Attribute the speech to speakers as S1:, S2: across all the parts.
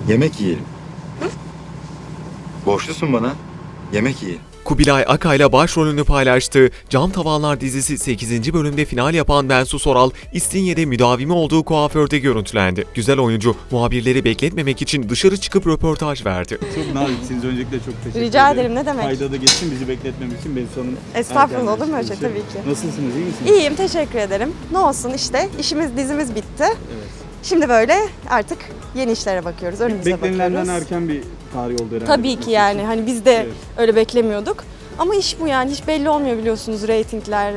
S1: Yemek yiyelim. Borçlusun bana. Yemek yiyelim.
S2: Kubilay Akay'la başrolünü paylaştığı Cam Tavanlar dizisi 8. bölümde final yapan Bensu Soral, İstinye'de müdavimi olduğu kuaförde görüntülendi. Güzel oyuncu muhabirleri bekletmemek için dışarı çıkıp röportaj verdi.
S3: Çok naziksiniz. Öncelikle çok teşekkür ederim.
S4: Rica ederim, ne demek.
S3: Kayda da geçsin bizi bekletmemek için Bensu Hanım.
S4: Estağfurullah, olur mu öyle
S3: erken
S4: şey? Tabii ki.
S3: Nasılsınız, iyi misiniz?
S4: İyiyim, teşekkür ederim. Ne olsun işte, dizimiz bitti.
S3: Evet.
S4: Şimdi böyle artık yeni işlere bakıyoruz, önümüze
S3: Beklenilenden
S4: bakıyoruz.
S3: erken bir tarih oldu herhalde.
S4: Tabii ki yani, hani biz de
S3: Evet.
S4: öyle beklemiyorduk. Ama iş bu yani, hiç belli olmuyor biliyorsunuz reytingler,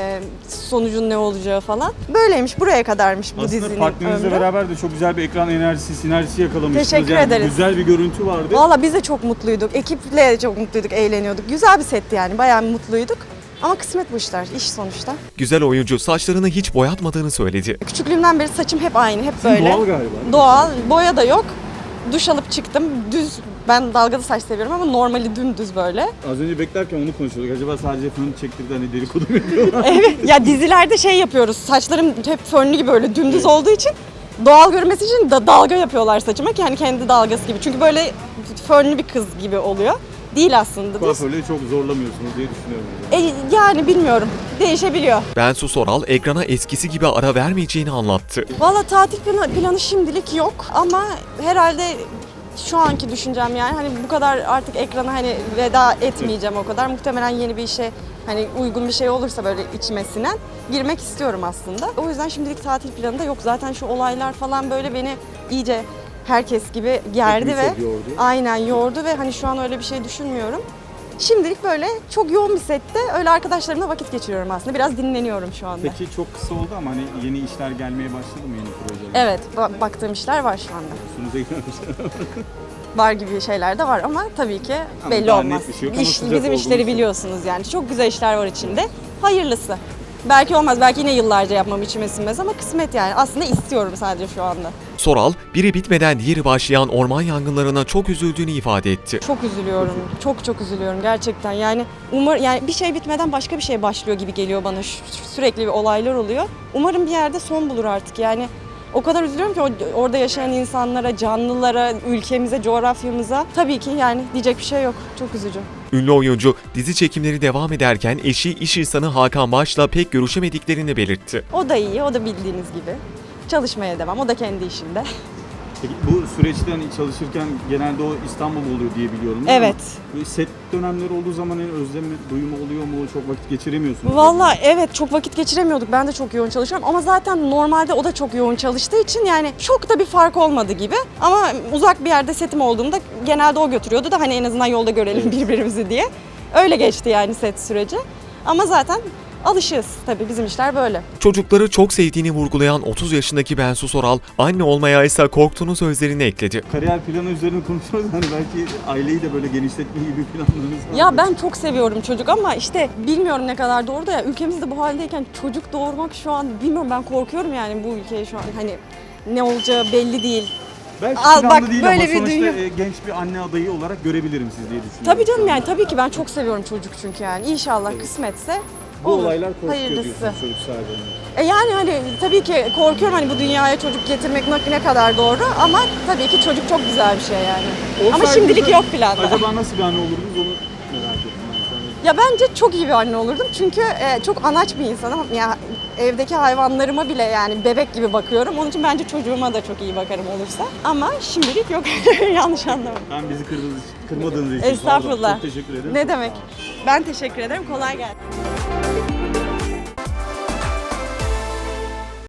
S4: sonucun ne olacağı falan. Böyleymiş, buraya kadarmış bu
S3: Aslında
S4: dizinin
S3: partnerinizle
S4: ömrü.
S3: beraber de çok güzel bir ekran enerjisi, sinerjisi yakalamışsınız.
S4: Teşekkür
S3: yani
S4: ederiz.
S3: Güzel bir görüntü vardı.
S4: Valla biz de çok mutluyduk, ekiple de çok mutluyduk, eğleniyorduk. Güzel bir setti yani, bayağı mutluyduk. Ama kısmet bu işler, iş sonuçta.
S2: Güzel oyuncu saçlarını hiç boyatmadığını söyledi.
S4: Küçüklüğümden beri saçım hep aynı, hep
S3: Sizin
S4: böyle.
S3: doğal galiba.
S4: Doğal, boya da yok. Duş alıp çıktım, düz. Ben dalgalı saç seviyorum ama normali dümdüz böyle.
S3: Az önce beklerken onu konuşuyorduk. Acaba sadece fön çektirdi hani dedikodu mu yapıyorlar?
S4: Evet, ya dizilerde şey yapıyoruz, saçlarım hep fönlü gibi böyle dümdüz olduğu için doğal görmesi için dalga yapıyorlar saçıma ki hani kendi dalgası gibi. Çünkü böyle fönlü bir kız gibi oluyor. Değil aslında.
S3: Kuaförleri çok zorlamıyorsunuz diye düşünüyorum.
S4: Yani bilmiyorum, değişebiliyor.
S2: Bensu Soral ekrana eskisi gibi ara vermeyeceğini anlattı.
S4: Valla tatil planı şimdilik yok ama herhalde şu anki düşüncem yani hani bu kadar artık ekrana hani veda etmeyeceğim o kadar. Muhtemelen yeni bir işe hani uygun bir şey olursa böyle içime sinen girmek istiyorum aslında. O yüzden şimdilik tatil planı da yok. Zaten şu olaylar falan böyle beni iyice herkes gibi gerdi
S3: Hepimiz
S4: ve
S3: çok yordu.
S4: aynen yordu ve hani şu an öyle bir şey düşünmüyorum. Şimdilik böyle çok yoğun bir sette öyle arkadaşlarımla vakit geçiriyorum aslında. Biraz dinleniyorum şu anda.
S3: Peki çok kısa oldu ama hani yeni işler gelmeye başladı mı, yeni projeler?
S4: Evet, baktığım işler var şu anda.
S3: Sunuza girmemiş.
S4: Var gibi şeyler de var ama tabii ki
S3: Ama
S4: belli
S3: daha
S4: olmaz.
S3: net bir şey yok ama sıcak
S4: Bizim
S3: olduğunu
S4: işleri
S3: söyle.
S4: biliyorsunuz yani. Çok güzel işler var içinde. Hayırlısı. Belki olmaz, belki yine yıllarca yapmam içime sinmez ama kısmet yani. Aslında istiyorum sadece şu anda.
S2: Soral, biri bitmeden diğeri başlayan orman yangınlarına çok üzüldüğünü ifade etti.
S4: Çok üzülüyorum. Çok üzülüyorum gerçekten. Yani yani bir şey bitmeden başka bir şey başlıyor gibi geliyor bana. Sürekli bir olaylar oluyor. Umarım bir yerde son bulur artık. Yani o kadar üzülüyorum ki orada yaşayan insanlara, canlılara, ülkemize, coğrafyamıza. Tabii ki yani diyecek bir şey yok. Çok üzücü.
S2: Ünlü oyuncu dizi çekimleri devam ederken eşi iş insanı Hakan Baş'la pek görüşemediklerini belirtti.
S4: O da iyi, o da bildiğiniz gibi. Çalışmaya devam, o da kendi işinde.
S3: Peki bu süreçte hani çalışırken genelde o İstanbul oluyor diye biliyorum.
S4: Evet.
S3: Ama set dönemleri olduğu zaman hani özlem duyumu oluyor mu? Çok vakit geçiremiyorsunuz.
S4: Vallahi evet, çok vakit geçiremiyorduk. Ben de çok yoğun çalışıyorum ama zaten normalde o da çok yoğun çalıştığı için yani çok da bir fark olmadı gibi. Ama uzak bir yerde setim olduğunda genelde o götürüyordu da hani en azından yolda görelim birbirimizi diye. Öyle geçti yani set süreci. Ama zaten alışığız tabii, bizim işler böyle.
S2: Çocukları çok sevdiğini vurgulayan 30 yaşındaki Bensu Soral, anne olmaya ise korktuğunu sözlerini ekledi.
S3: Kariyer planı üzerine konuşuyoruz. Hani belki aileyi de böyle genişletme gibi planlarınız var.
S4: Ya ben çok seviyorum çocuk ama işte bilmiyorum ne kadar doğru da ya ülkemizde bu haldeyken çocuk doğurmak şu an bilmiyorum, ben korkuyorum yani bu ülkeye şu an hani ne olacağı belli değil.
S3: Belki
S4: Al
S3: planlı
S4: bak,
S3: değil
S4: böyle
S3: ama
S4: bir
S3: sonuçta
S4: dünya-
S3: genç bir anne adayı olarak görebilirim siz diye düşünüyorum.
S4: Tabii canım yani tabii ki ben çok seviyorum çocuk çünkü yani inşallah kısmetse
S3: Bu
S4: olur.
S3: olaylar korkutuyor
S4: Hayırlısı.
S3: diyorsunuz çocuk sahibine.
S4: Yani hani tabii ki korkuyorum hani bu dünyaya çocuk getirmek ne kadar doğru ama tabii ki çocuk çok güzel bir şey yani. Ama
S3: Olsaydı
S4: şimdilik
S3: da
S4: yok planda.
S3: Acaba nasıl bir anne olurdunuz onu merak ettim ben şu an.
S4: Ya bence çok iyi bir anne olurdum çünkü çok anaç bir insanım. Ya evdeki hayvanlarıma bile yani bebek gibi bakıyorum. Onun için bence çocuğuma da çok iyi bakarım olursa. Ama şimdilik yok. Yanlış anlama.
S3: Ben bizi kırmadığınız için sağ olun.
S4: Estağfurullah.
S3: Çok teşekkür ederim.
S4: Ne
S3: Çok
S4: demek?
S3: sağ olun.
S4: Ben teşekkür ederim. Kolay gelsin.